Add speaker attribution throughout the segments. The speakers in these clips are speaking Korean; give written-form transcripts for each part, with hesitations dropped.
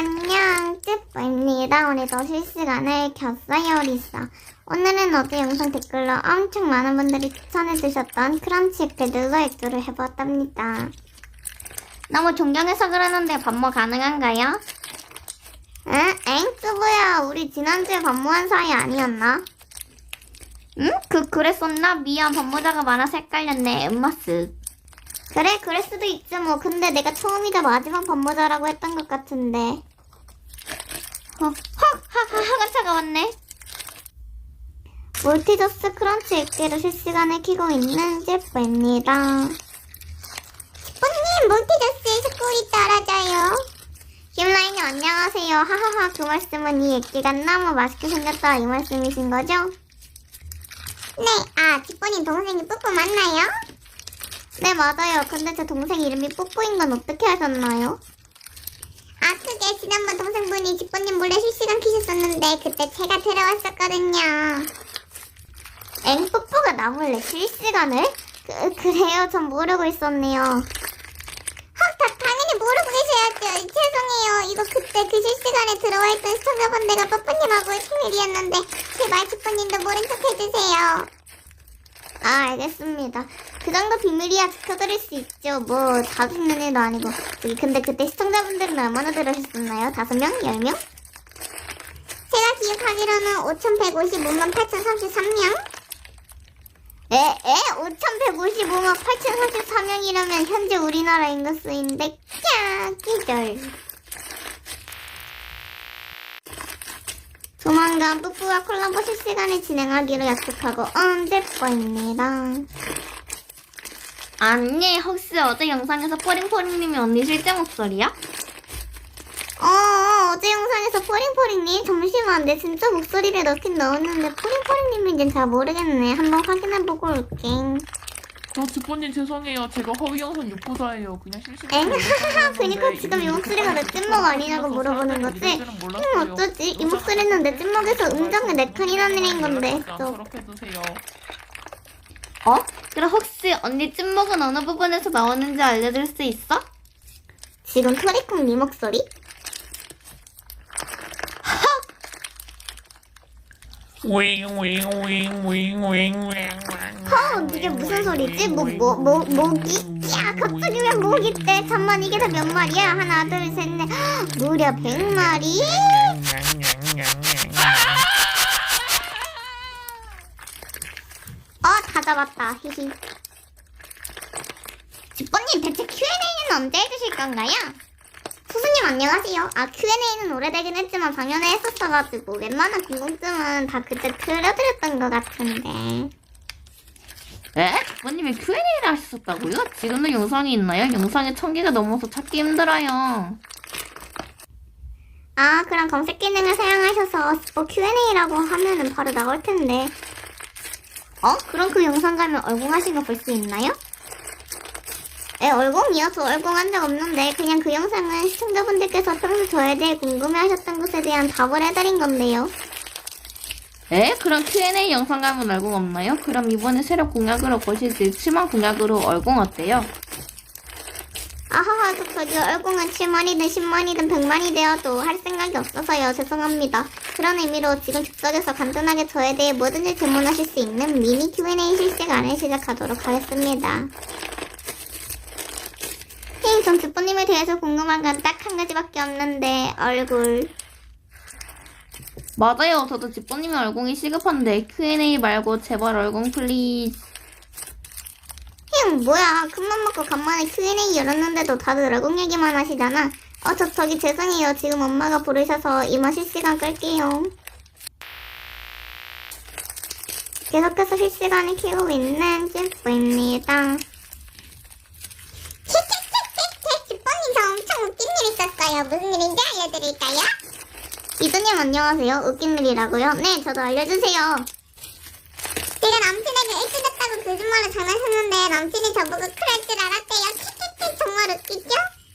Speaker 1: 안녕, 찌뿌입니다. 오늘도 실시간을 켰어요, 리사. 오늘은 어제 영상 댓글로 엄청 많은 분들이 추천해주셨던 크런치 에크들로 액조를 해보았답니다. 너무 존경해서 그러는데 반모 가능한가요? 응? 엥? 쯔부야, 우리 지난주에 반모한 사이 아니었나? 응? 그랬었나? 미안, 반모자가 많아서 헷갈렸네, 엠마스. 그래, 그럴 수도 있지 뭐. 근데 내가 처음이자 마지막 반모자라고 했던 것 같은데. 학원 차가웠네. 몰티저스 크런치 액기를 실시간에 키고 있는 제프입니다. 뽀님, 몰티저스의 스쿨이 떨어져요. 김라인님 안녕하세요. 하하하, 그 말씀은 이 액기가 너무 맛있게 생겼다 이 말씀이신 거죠? 네, 지뽀님 동생이 뿌뿌 맞나요? 네, 맞아요. 근데 제 동생 이름이 뽀뽀인 건 어떻게 하셨나요? 그게 지난번 동생분이 지뽀님 몰래 실시간 키셨었는데 그때 제가 들어왔었거든요. 엥? 뽀뽀가 나 몰래 실시간을? 그래요? 전 모르고 있었네요. 당연히 모르고 계셔야죠. 죄송해요. 이거 그때 그 실시간에 들어와 있던 시청자분들과 뽀뽀님하고의 비밀이었는데 제발 지뽀님도 모른 척 해주세요. 알겠습니다. 그 정도 비밀이야 지켜드릴 수 있죠. 뭐 자주 있는 일도 아니고. 근데 그때 시청자분들은 얼마나 들으셨었나요? 5명? 10명? 제가 기억하기로는 5155만 8033명? 5155만 8033명이라면 현재 우리나라 인구수인데 기절. 조만간 뿌뿌와 콜라보 실시간을 진행하기로 약속하고 언제뽀입니다. 아니, 혹시 어제 영상에서 포링포링님이 언니 실제 목소리야? 어제 영상에서 포링포링님 잠시만, 내 진짜 목소리를 넣긴 넣었는데 포링포링님인지는 잘 모르겠네. 한번 확인해보고 올게.
Speaker 2: 지뽀님 죄송해요. 제가 허위 영상 유포자예요. 그냥 실시간.
Speaker 1: 그니까 지금 이 목소리가 내 찐목 아니냐고 물어보는 거지? 어쩌지? 이 목소리는 내 찐목에서 음정에 4칸이나 내린 건데.
Speaker 2: 저렇게 드세요.
Speaker 1: 그럼 혹시 언니 찐목은 어느 부분에서 나오는지 알려줄 수 있어? 지금 토리콩 니 목소리? 이게 무슨 소리지? 모기? 야, 갑자기 왜 모기 때? 잠만, 이게 다 몇 마리야? 하나, 둘, 셋, 넷. 무려 100마리? 다 잡았다. 히히. 지뽀님, 대체 Q&A는 언제 해주실 건가요? 수수님 안녕하세요. Q&A는 오래되긴 했지만 작년에 했었어가지고 웬만한 궁금증은 다 그때 틀어드렸던 것 같은데.
Speaker 2: 지뽀님이 Q&A를 하셨었다고요? 지금도 영상이 있나요? 영상이 1000개가 넘어서 찾기 힘들어요.
Speaker 1: 그럼 검색 기능을 사용하셔서 Q&A라고 하면은 바로 나올 텐데. 그럼 그 영상 가면 얼공하신 거 볼 수 있나요? 얼공이요? 저 얼공한 적 없는데 그냥 그 영상은 시청자분들께서 평소 저에 대해 궁금해하셨던 것에 대한 답을 해드린 건데요.
Speaker 2: 그럼 Q&A 영상 가면 얼공 없나요? 그럼 이번에 새로 공약으로 거시지 7만 공약으로 얼공 어때요?
Speaker 1: 저기 얼공은 7만이든 10만이든 100만이 되어도 할 생각이 없어서요. 죄송합니다. 그런 의미로 지금 즉석에서 간단하게 저에 대해 뭐든지 질문하실 수 있는 미니 Q&A 실시간을 시작하도록 하겠습니다. 전 지뽀님에 대해서 궁금한 건 딱 한 가지밖에 없는데 얼굴.
Speaker 2: 맞아요. 저도 지뽀님의 얼공이 시급한데 Q&A 말고 제발 얼공 플리즈.
Speaker 1: 뭐야, 큰맘 먹고 간만에 Q&A 열었는데도 다들 얼공 얘기만 하시잖아. 저기 죄송해요. 지금 엄마가 부르셔서 이만 실시간 끌게요. 계속해서 실시간을 키우고 있는 찐뿌입니다. 지뽀님, 저 엄청 웃긴 일 있었어요. 무슨 일인지 알려드릴까요? 이두님 안녕하세요. 웃긴 일이라고요? 네, 저도 알려주세요. 제가 남친에게 애기됐다고 거짓말로 장난쳤는데 남친이 저보고 그럴 줄 알았대요. 키키키, 정말 웃기죠?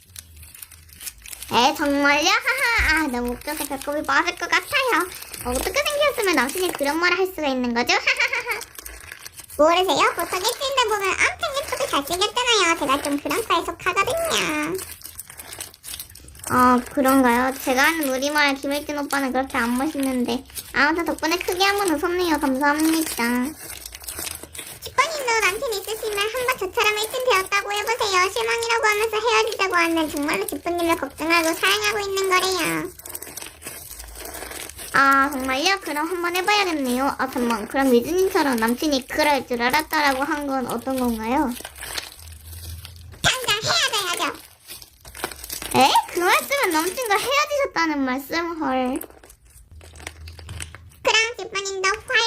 Speaker 1: 정말요? 하하, 너무 웃겨서 배꼽이 빠질 것 같아요. 어떻게 생겼으면 남친이 그런 말을 할 수가 있는 거죠? 하하하하. 모르세요? 보통 일주일에 보면 엄청 예쁘게 잘생겼잖아요. 제가 좀 그런 과에 속하거든요. 그런가요? 제가 아는 우리말 김일진 오빠는 그렇게 안 멋있는데. 아무튼 덕분에 크게 한번 웃었네요. 감사합니다. 10번님도 남친 있으시면 한번 저처럼 일진 되었다고 해보세요. 실망이라고 하면서 헤어지자고 하면 정말로 10번님을 걱정하고 사랑하고 있는 거래요. 아, 정말요? 그럼 한번 해봐야겠네요. 아, 잠만. 그럼 유진님처럼 남친이 그럴 줄 알았다라고 한 건 어떤 건가요? 당장 헤어져야죠. 에? 그 말씀은 남친과 헤어지셨다는 말씀? 헐. 그럼 10번님도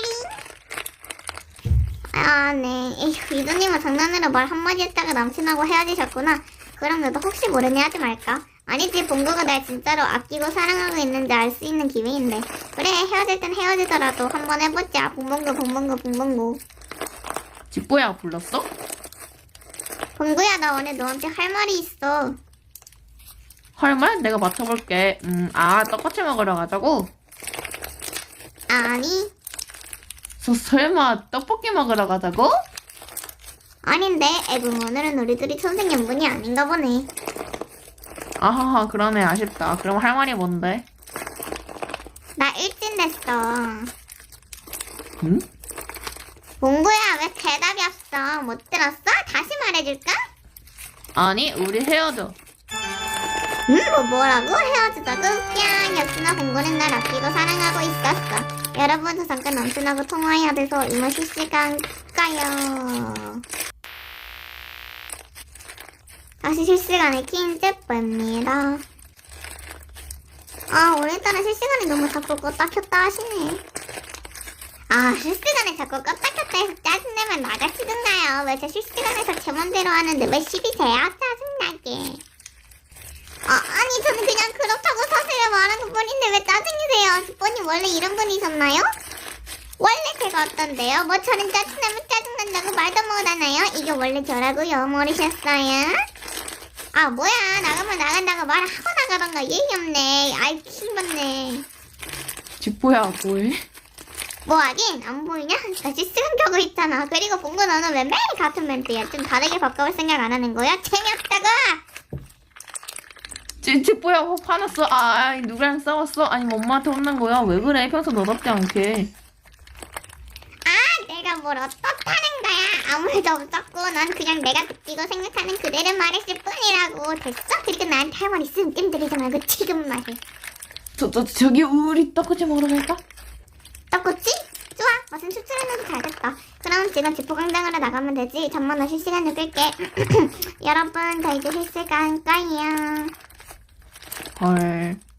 Speaker 1: 파이팅! 아, 네. 에휴, 유진님은 장난으로 말 한마디 했다가 남친하고 헤어지셨구나. 그럼 너도 혹시 모르니 하지 말까? 아니지, 봉구가 날 진짜로 아끼고 사랑하고 있는지 알 수 있는 기회인데. 그래, 헤어질 땐 헤어지더라도 한번 해보자. 봉봉구.
Speaker 2: 집보야 불렀어?
Speaker 1: 봉구야, 나 오늘 너한테 할 말이 있어.
Speaker 2: 할 말? 내가 맞춰볼게. 떡꼬치 먹으러 가자고?
Speaker 1: 아니,
Speaker 2: 설마 떡볶이 먹으러 가자고?
Speaker 1: 아닌데. 에붕, 오늘은 우리 둘이 천생연분이 아닌가 보네.
Speaker 2: 아하하, 그러네. 아쉽다. 그럼 할 말이 뭔데?
Speaker 1: 나 일진 됐어.
Speaker 2: 응?
Speaker 1: 봉구야, 왜 대답이 없어? 못 들었어? 다시 말해줄까?
Speaker 2: 아니, 우리 헤어져.
Speaker 1: 뭐라고? 헤어지자고? 뺨! 역시나 봉구는 날 아끼고 사랑하고 있었어. 여러분, 저 잠깐 남친하고 통화해야 돼서 이만 실시간 까요. 다시 실시간에 킨제뽀입니다. 오늘따라 실시간에 너무 자꾸 껐다 켰다 하시네. 실시간에 자꾸 껐다 켰다 해서 짜증내면 나가시던가요. 왜 제 실시간에서 제 맘대로 하는데 왜 시비세요? 짜증나게. 아니, 저는 그냥 그렇다고 사실을 말한 것 뿐인데 왜 짜증이세요? 주번님 원래 이런 분이셨나요? 원래 제가 어떤데요? 뭐 저는 짜증나면 짜증난다고 말도 못하나요? 이게 원래 저라고요? 모르셨어요? 뭐야, 나가면 나간다고 말하고 나가던가. 예의 없네. 아이, 킹받네.
Speaker 2: 집보야 뭐해?
Speaker 1: 뭐 하긴 안 보이냐? 나 실시간 켜고 있잖아. 그리고 봉구 너는 왜 매일 같은 멘트야? 좀 다르게 바꿔볼 생각 안 하는 거야? 재미없다고!
Speaker 2: 집보야 화났어? 누구랑 싸웠어? 아니면 엄마한테 혼난 거야? 왜 그래? 평소 너답지 않게.
Speaker 1: 내가 뭘 어떻다는 거야? 아무 일도 없었고 난 그냥 내가 느끼고 생각하는 그대로 말했을 뿐이라고. 됐어? 그리고 나한테 할 말 있으면 뜸들이지 말고 지금 말해.
Speaker 2: 저기 우리 떡꼬치 먹으러 갈까?
Speaker 1: 떡꼬치? 좋아. 무슨 추천해줘도 잘됐다. 그럼 지금 지포광장으로 나가면 되지. 잠만 나 실시간을 끌게. 여러분, 저 이제 실시간 까요.
Speaker 2: 헐.